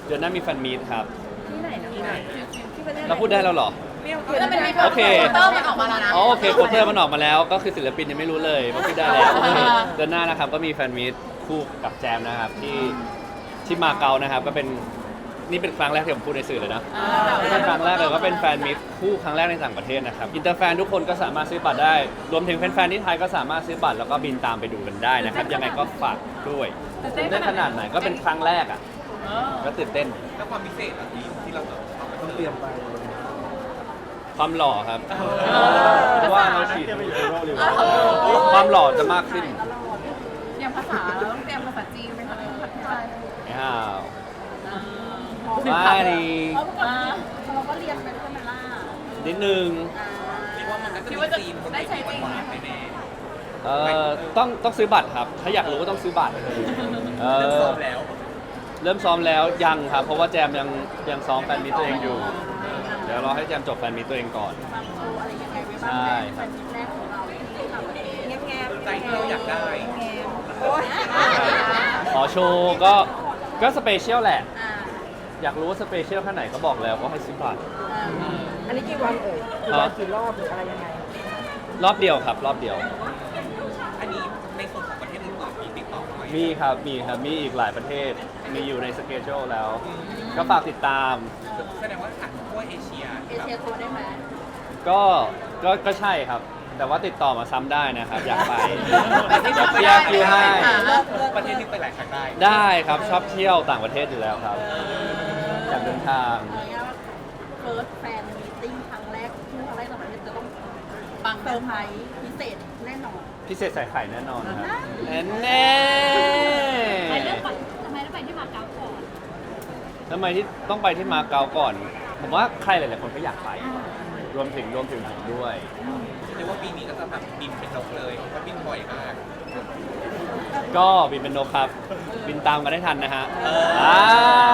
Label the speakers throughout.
Speaker 1: เดือนหน้ามีแฟนมีตครับ
Speaker 2: ที่ไหนนะที่ไหนที่ประเทศไหน
Speaker 1: เราพูดได้แล้วเหรอ
Speaker 2: แล้วมันมี
Speaker 1: โอเค
Speaker 2: โปสเตอร์มันออกมาแล้วนะ
Speaker 1: อ๋อโอเคโปสเตอร์มันออกมาแล้วก็คือศิลปินยังไม่รู้เลยว่าพูดได้แล้วโอเคเดือนหน้านะครับก็มีแฟนมีตคู่กับแจมนะครับที่มาเก๊านะครับก็เป็นนี่เป็นครั้งแรกที่ผมพูดในสื่อเลยนะเป็นครั้งแรกเลยก็เป็นแฟนมีตคู่ครั้งแรกในต่างประเทศนะครับอินเตอร์แฟนทุกคนก็สามารถซื้อบัตรได้รวมถึงแฟนๆที่ไทยก็สามารถซื้อบัตรแล้วก็บินตามไปดูกันได้นะครับยังไงก็ฝากด้วยตื่นเต้นขนาดไหนก็เป็นครั้งแรกอ่ะก็ตื่นเต้น
Speaker 3: แล้วความพิเศษอะที่เราต้องเตรียมไป
Speaker 1: ความหล่อครับเพราะว่าเราฉีดความหล่อจะมากขึ้น
Speaker 2: อย่างภาษาเราต้องเตรียมภาษาจีนไหมคะภาษาไทย
Speaker 1: อ้าวไม่ดี
Speaker 2: เราก็เรียนไปด้วยไหมล่ะ
Speaker 1: นิดนึง
Speaker 3: คิดว่ามันก็จะ
Speaker 2: คิด
Speaker 3: มี
Speaker 2: ว่าจะ
Speaker 3: ธีม
Speaker 2: ได้ใช้จริง
Speaker 3: หวานๆแน่
Speaker 1: ต้องซื้อบัตรครับ ถ้าอยากรู้ก็ต้องซื้อบัตรเอ
Speaker 3: ๆเริ่ม
Speaker 1: อ
Speaker 3: ซ้อมแล้ว
Speaker 1: เริ่มซ้อมแล้วยังครับ เพราะว่าแจมยังซ้อมแฟนมีตตัวเองอยู่ เดี๋ยวรอให้แจมจบแฟนมีตตัวเองก่อน
Speaker 2: โชว์อะไรยังไงไว้บ้าง
Speaker 1: ใช่
Speaker 2: แฟนมิตรแรกของเราที่ต่างประเทศแง้ม
Speaker 3: ใจที่เราอยากได้
Speaker 2: โอ้ย
Speaker 1: ขอโชว์ก็สเปเชียลแหละ อยากรู้ว่าสเปเชียลแค่ไหนก็บอกแล้วก็ให้ซื้อบัตร
Speaker 2: อันนี้กี่วันเอ่ยกี่วันกี่รอบหรืออะไรยังไง
Speaker 1: รอบเดียวครับ รอบเดียว
Speaker 3: อันนี้ในส่วนของประเทศอื่นๆมีติดต่อไหม
Speaker 1: มีครับ มีอีกหลายประเทศ มีอยู่ในสเกจโชแล้ว ก็ฝากติดตาม
Speaker 3: แสดงว่าถังทั่วเอเชีย
Speaker 2: เอเชียทัวร์ได้ไหม
Speaker 1: ก็ใช่ครับ แต่ว่าติดต่อมาซ้ำได้นะครับ อยากไป
Speaker 3: ประเทศ
Speaker 1: เดี๋ยว
Speaker 3: ที่
Speaker 1: เคลียร์คิวให้
Speaker 3: ประเทศที่ไปหลายครั้งได้
Speaker 1: ได้ครับชอบเที่ยวต่างประเทศอยู่แล้วครับอยากเดินทาง
Speaker 2: เฟิร์สแฟนมีติ้งครั้งแรกที่ครั้งแรกต่างประเทศจะต้องปังเซอร์ไพรส์พิเศษแน่นอน
Speaker 1: พิเศษใส่ไข่แน่นอนครับแน่
Speaker 4: ทำไมต้องไปที่มาเก๊าก่อน
Speaker 1: ทำไมที่ต้องไปที่มาเก๊าก่อน ผมว่าใครหลายๆคนก็อยากไป รวมถึงผมด้วย
Speaker 3: เรียกว่าปีนี้ก็จะแบบบินเป็นนกเลยเพราะบินบ่อยมาก
Speaker 1: ก็บินเป็นนกครับ บินตามกันได้ทันนะฮะ
Speaker 3: อ่า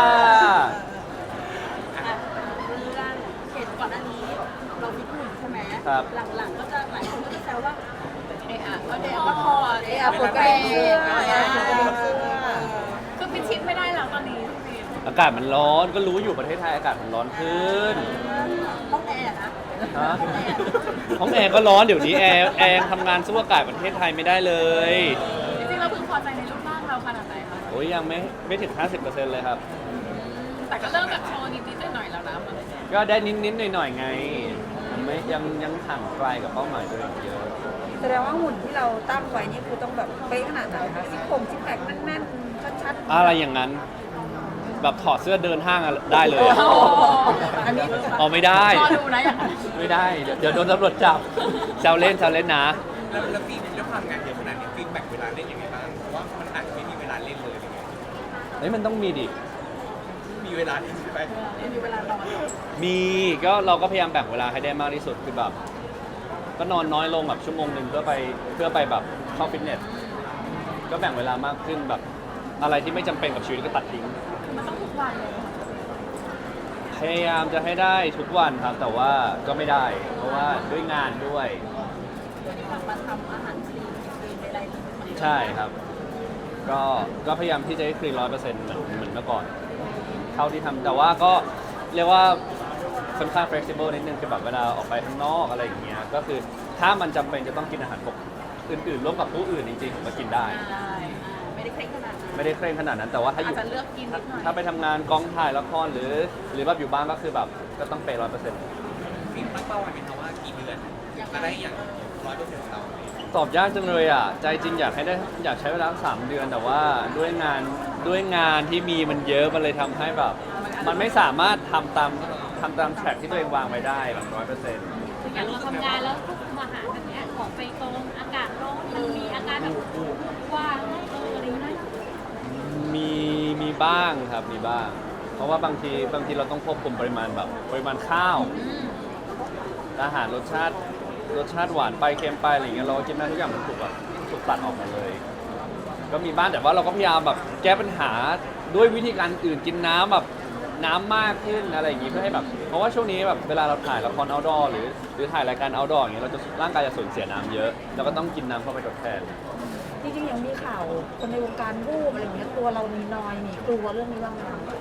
Speaker 2: เรื่องเห็นก่อนหน้านี้เราฟิตหุ่นใช่ไหม
Speaker 1: ครับ
Speaker 2: หลังๆก็จะหลายคนก็จะแซวว่าเอะอะก็เดะก็พอเอะอะปวดกระเบนอะไรอย่างเงี้ย
Speaker 4: คือพิชิตไม่ได้แล้วตอนนี้พี่
Speaker 1: อากาศมันร้อนก็รู้อยู่ประเทศไทยอากาศมันร้อนขึ้น
Speaker 2: ห้องแอร์นะ
Speaker 1: ฮะห้องแอร์ก็ร้อนเดี๋ยวนี้แอร์ยังทำงานสู้อากาศประเทศไทยไม่ได้เลย
Speaker 4: จริงๆเราพึงพอใจในรูปร่างเราขนาดไหนคะ
Speaker 1: โอ้ยยังไม่ถึง 50%เลยครับ
Speaker 4: แต่ก็เริ่มแบบโชว์นิดๆหน่อยๆแล้วนะมัน
Speaker 1: ก็ได้นิดๆหน่อยๆไงไม่ยังห่างไกลกับเป้าหมายตัวเองเยอะ
Speaker 5: แสดงว่าหุ่นที่เราตั้งไว้นี่คือต้องแบบเป๊ะขนาดไหนคะซิกซิกแพคแน่นๆชัดๆ
Speaker 1: อะไรอย่างนั้น แบบถอดเสื้อเดินห้างอะได้เลยอะ
Speaker 5: อันนี้
Speaker 1: เอาไม่ได้
Speaker 4: รอดูนะอย่างนั้น
Speaker 1: ไม่ได้ เดี๋ยวโดนตำรวจจับแซวเล่นนะ
Speaker 3: แล้วฟิล์มด้วยความงานเยอะขนาดนี้ฟิล์มแบ่งเวลาเล่นยังไงบ้างเพราะว่ามันอาจจะไม่มีเวลาเล่นเลยอะไรเงี้ย
Speaker 1: เฮ้ยมันต้องมีดิ
Speaker 3: มีเวลาเล่นใช่ไหม
Speaker 2: มีเวลานอน
Speaker 1: มีก็เราก็พยายามแบ่งเวลาให้ได้มากที่สุดคือแบบ ก็นอนน้อยลงแบบชั่วโมงหนึ่งเพื่อไปแบบเข้าฟิตเนส ก็แบ่งเวลามากขึ้นแบบอะไรที่ไม่จำเป็นกับชีวิตก็ตัดทิ้ง
Speaker 4: มันต้องทุกวันเลย
Speaker 1: พยายามจะให้ได้ทุกวันครับ แต่ว่าก็ไม่ได้ เพราะว่าด้วยงานด้วย
Speaker 2: กลับมาทำอาหารคลีนใดๆ
Speaker 1: ใช่ครับ ก็พยายามที่จะให้คลีน100%เหมือนเมื่อก่อน เท่าที่ทำแต่ว่าก็เรียกว่าค่อนข้าง flexible นิดนึงคือแบบเวลาออกไปข้างนอกอะไรอย่างเงี้ยก็คือถ้ามันจำเป็นจะต้องกินอาหารปกอื่นๆร่วมกับผู้อื่นจริงๆผมก็กินได้
Speaker 2: ไม่ได้เคร่งขนาดนั้น
Speaker 1: ไม่ได้เคร่งขนาดนั้นแต่ว่าถ้าอ
Speaker 2: อาจ
Speaker 1: ยู่
Speaker 2: จะเลือกกินนิดหน่อย
Speaker 1: ถ้าไปทำงานกองถ่ายละครหรือแบบอยู่บ้านก็คือแบบก็ต้องเปย์100%
Speaker 3: ฟิล์มตั้งเป้าไว้ไหมคะว่ากี่เดือนจะได้อย่าง100%ของเรา
Speaker 1: ตอบยากจังเลยอ่ะใจจริงอยากใช้เวลา3 เดือน แต่ว่าด้วยงานที่มีมันเยอะมันเลยทำให้แบบ มันไม่สามารถทำตามแทร็กที่ตัวเองวางไว้ได้แบบ100%
Speaker 4: อย่างเราทำงานแล้วควบคุมอาหารแบบเนี้ยของไปตรงอากาศร้อนมันมีอาการแบบว่าอะไรอย่างเงี้ย
Speaker 1: มีบ้างครับมีบ้าง เพราะว่าบางทีเราต้องควบคุมปริมาณข้าว อาหารรสชาติหวานไปเค็มไปอะไรอย่างเงี้ยเรากินได้ทุกอย่างมันถูกตัดออกหมดเลย ก็มีบ้างแต่ว่าเราก็พยายามแบบแก้ปัญหาด้วยวิธีการอื่นกินน้ำแบบน้ำมากขึ้นอะไรอย่างงี้เพื่อให้แบบเพราะว่าช่วงนี้แบบเวลาเราถ่ายละคร outdoor หรือถ่ายรายการ outdoor อย่างเงี้ยเราจะร่างกายจะสูญเสียน้ำเยอะเราก็ต้องกินน้ำเข้าไปทดแทน
Speaker 5: จริงๆยังมีข่าวคนในวงการรูปอะไรอย่างเงี้ยตัวเรามีนอยมีกลัวเรื่องนี้บ้างไหมคะ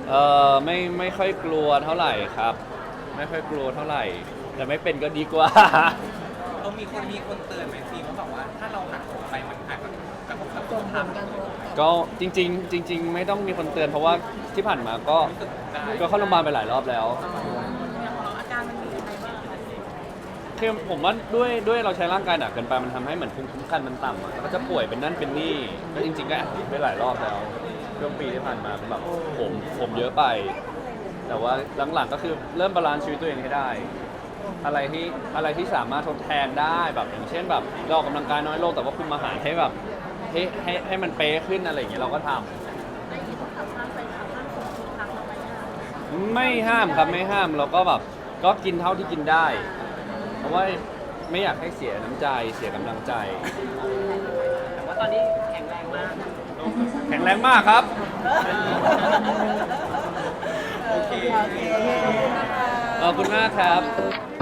Speaker 1: ไม่ค่อยกลัวเท่าไหร่ครับ ไม่ค่อยกลัวเท่าไหร่ แต่ไม่เป็นก็ดีกว่า
Speaker 3: เรามีคนเตือนไหมฟิล์มว่าแบบว่าถ้าเราหักโหมไปมันอาจจะกระทบกับสุขภาพ
Speaker 1: ก็จริง ๆ ไม่ต้องมีคนเตือนเพราะว่าที่ผ่านมาก็
Speaker 3: รู้สึกได้
Speaker 1: ก็เข้าโรงพยาบาลไปหลายรอบแล้ว
Speaker 2: อย่างของเราอาการมันมีอะไรบ้าง
Speaker 1: คือผมว่าด้วยเราใช้ร่างกายหนักเกินไปมันทำให้เหมือนภูมิคุ้มกันมันต่ำอะแล้วก็จะป่วยเป็นนั่นเป็นนี่ก็จริงๆก็แอบไปหลายรอบแล้วช่วงปีที่ผ่านมาเป็นแบบผมเยอะไป แต่ว่าหลังๆก็คือเริ่มบาลานซ์ชีวิตตัวเองให้ได้ อะไรที่สามารถทดแทนได้แบบอย่างเช่นแบบเราออกกำลังกายน้อยลงแต่ว่าคุมอาหารให้แบบให้มันเป๊ะขึ้นอะไรอย่างเงี้ยเราก็ทำ
Speaker 2: ได้ยินเขาทำไปทำห้างส่งทุกครั้งเราไปเนี่ย
Speaker 1: ไม่ห้ามครับไม่ห้ามเราก็แบบก็กินเท่าที่กินได้ เพราะว่าไม่อยากให้เสียน้ำใจเสียกำลังใจ
Speaker 2: แต่ว่าตอนนี้แข็งแรงมาก
Speaker 1: แข็งแรงมากครับ
Speaker 3: โอเค
Speaker 5: โอเค
Speaker 1: ขอบคุณมากครับ
Speaker 5: ข